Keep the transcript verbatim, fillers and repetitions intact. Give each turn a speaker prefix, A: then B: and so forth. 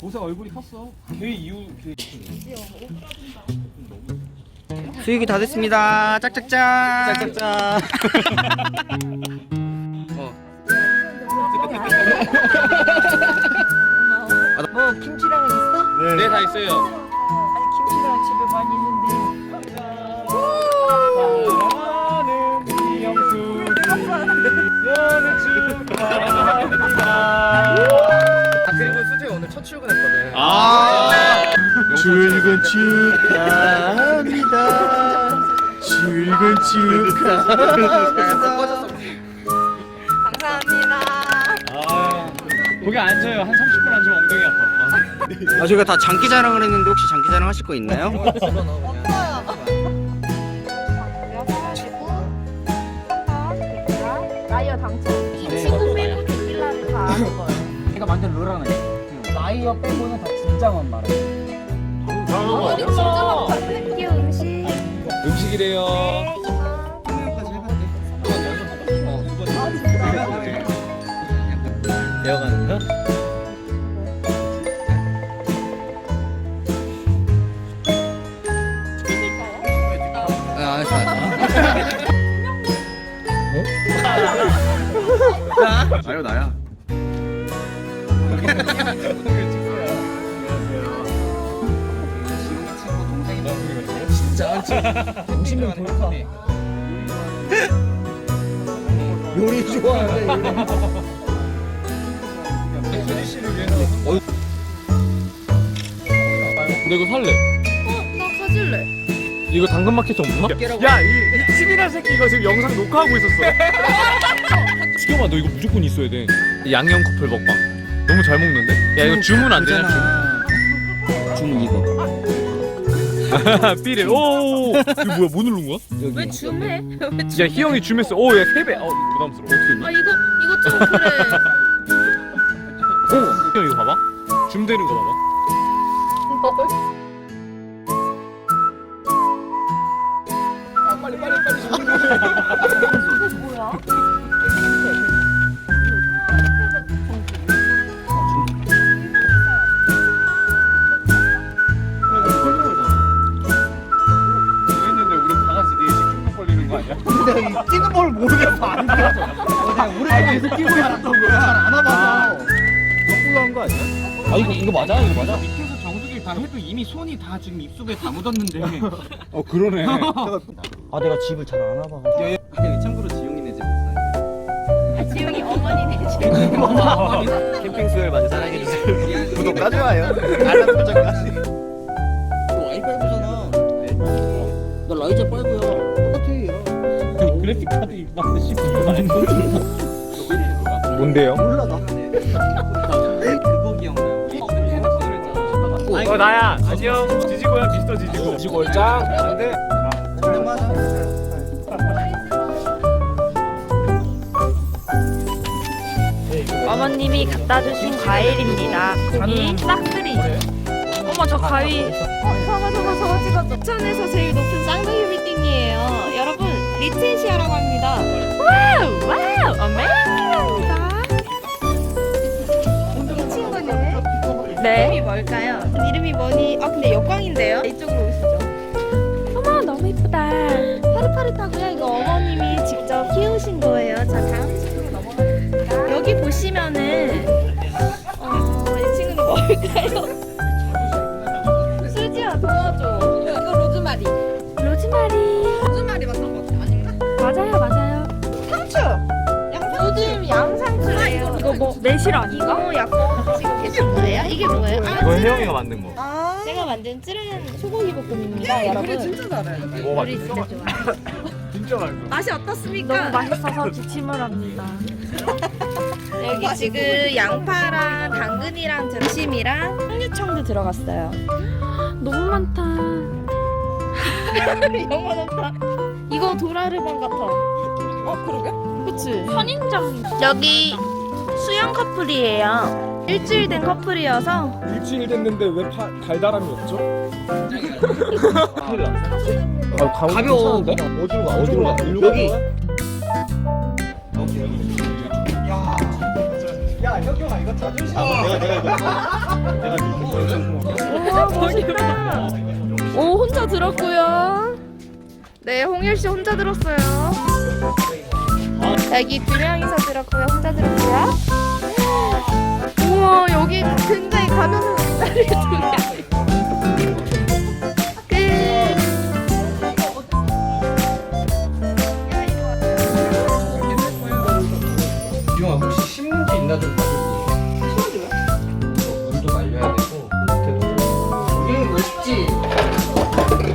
A: 보세 얼굴이 컸어. 걔 이후 걔.
B: 수육이 다 됐습니다. 짝짝짝.
A: 짝짝짝.
B: 어.
C: 뭐 김치랑은 있어?
A: 네, 다 있어요.
C: 아니 김치랑 집에 많이 있는데.
A: 사랑하는 이영수 연애 축하합니다.
B: 아 그리고 수재 오늘 첫 출근했거든.
A: 아.
D: 출근 축하합니다. 출근 축하합니다.
C: 감사합니다.
A: 아, 거기 앉아요. 한 삼십 분 앉으면 엉덩이 아파.
B: 아 저희가 다 장기 자랑을 했는데 혹시 장기 자랑 하실 거 있나요?
C: 라이어 당첨. 이 친구 빼고 데킬라를 다 아는 거예요.
E: 제가 만든 룰 하나 있어요. 라이어 빼고는 다 진짜만 말해요.
C: 어머니 진짜 먹고 왔는데 음식.
A: 음식이래요.
C: 네, 이거.
A: 배워가는 거?
B: 아 알았어 알았어.
D: 아유 나야.
B: 동심은 돌파. 요리 좋아하네.
A: 수지 씨를 위해서. 근데 이거 살래.
C: 어, 나 가질래.
A: 이거 당근마켓에 없나? 야, 이, 이 치밀한 새끼 이거 지금 영상 녹화하고 있었어. 지겸아, 너 이거 무조건 있어야 돼. 양념 커플 먹방. 너무 잘 먹는데? 야, 이거 주문 안 되냐?
B: 주문 이거.
A: 삐래. 오, 이거 뭐야? 뭐 누른 거야?
C: 왜 줌해?
A: 야, 희영이 줌했어. 오, 야, 세 배. 어, 부담스러워. 어떻게 했니?
C: 아 이거 이거 좀 그래.
A: 오, 희영 이거 봐봐. 줌 되는 거 봐봐.
C: 이게 뭐야?
A: 했는데 우리 다 같이 네 시 걸리는 거 아니야?
B: 근데 뛰는 걸 모르겠어. 안 돼. 내가 우리 계속 뛰고 있었던 거야. 잘안 와봐서.
A: 한 거 아니야?
B: 아 이거 이거 맞아? 이거 맞아?
E: 밑에서 정수기를 다 해도 이미 손이 다 지금 입속에 다 묻었는데.
A: 어, 그러네.
B: 아 내가 집을 잘 안 와봐가지고.
D: 참고로 지용이네 집.
C: 아, 지웅이 어머니네 집.
D: 캠핑 수요일 많이 사랑해주세요. 구독과 좋아요. 알람 설정까지.
B: 와이파이브잖아. 나 라이자 파이브야. 똑같아.
A: 그래픽 카드 입만 씨발 많이 뭔데요?
B: 몰라 나.
D: 그거 기억나요?
A: 어, 나야. 안녕. 지지고야, 미스터 지지고. 지지고 짱. 안돼.
C: 어머님이 갖다 주신 과일입니다. 이 싹쓸이. 어머 저 과일. 저거 저거 저거 찍었죠. 부천에서 제일 높은 쌍둥이 빌딩이에요. 여러분 리트시아라고 합니다. 와우 와우 어메이징. 이 친구는 네. 이름이 뭘까요? 이름이 뭐니? 아 근데 역광인데요. 이쪽으로 오시죠. 어머 너무 이쁘다. 파릇파릇하고요. 이거 어머님이 직접 키우신 거예요. 자 다음 친구로 넘어가겠습니다. 여기 보시면은 어, 이 친구는 뭘까요? 수지야 도와줘. 이거 로즈마리. 로즈마리. 로즈마리 맞는 거 아닌가? 맞아요 맞아요. 상추. 요즘 양상추예요. 이거 뭐 매실 아닌가? 이거 약간 지금 계신 거예요? 이게 뭐예요? 아,
A: 이거 혜영이가 만든 거.
C: 제가 만든 찌른 소고기 볶음입니다, 여러분. 그래 진짜 잘해.
A: 먹어봐.
C: 요리 진짜 좋아요.
A: 진짜 맛있어.
C: 맛이 어떻습니까? 너무 맛있어서 기침을 합니다. 여기 지금 양파랑 당근이랑 등심이랑 홍유청도 들어갔어요. 너무 많다. 너무 많다. 이거 도라르방 같아. 어 그러게? 그치. 선인장. 여기 수영 커플이에요. 일주일 된 커플이어서
A: 일주일 됐는데 왜 파, 달달함이 없죠? 큰일 났어. 아,
B: 가벼워.
A: 어디로 가? 어디로 가? 일로
B: 여기.
A: 가?
D: 야,
B: 혁경아 이거 자존심.
D: 아, 내가 내가 이거 내가 이거
C: 우와 멋있다. 오 혼자 들었고요. 네 홍일 씨 혼자 들었어요. 여기 두 명이서 들었고요. 혼자 들었고요. 우와 여기 굉장히 가면서 기다리는 두 명.
B: 유아 혹시 신문지 있나 좀 봐줄게. 신문지요? 문도 말려야 되고 밑에도. 여기는 멋있지.